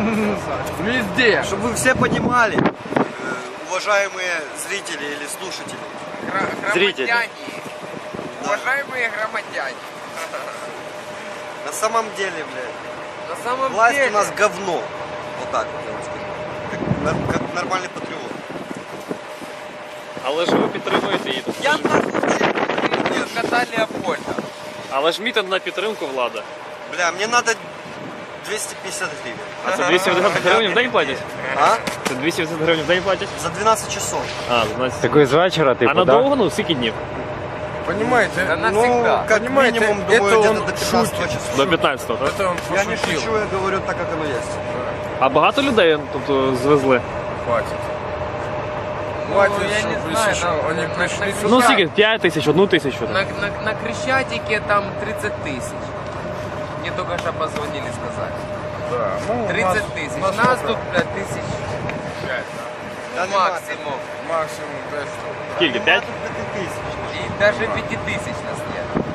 Везде. Чтобы вы все понимали, уважаемые зрители или слушатели. Зрители. Громадяне. Уважаемые громадяне. На самом деле, блядь, На самом власть деле. у нас говно. Вот так вот я вам скажу. Как нормальный патриот. Але ж ви підтримуєте її. Я нахуй кота Леопольда. Але ж мітинг на підтримку влада. Бля, мне надо 250 гривен. А це 280 гривень в день платять? А? Це 280 гривень в день платять? За 12 часов. А, 12. Такой з вечора, А типу, да? надовго, ну, скільки днів? Понимаете? Да Ну, навсегда. как Понимаете, минимум, это думаю, где-то он до 15 шутит. часов. До 15-го, так? Это он Я не пошутил. шучу, я говорю так, как оно есть. А багато людей, тобто, звезли? Хватит. Ну, Хватит, я не чтобы знаю, еще там, они пришли на- сюда. Ну, скільки? 5 тисяч, 1 тисячу? там? На Крещатике там 30 тысяч. Мне только что позвонили, сказали. Да, ну, 30 тысяч. Нас сколько? тут, блядь, тысяч 5. Да нема Максимум. Максимум 5 штук. Скільки? 5? Тут 5000. И даже 5 тысяч нас нет.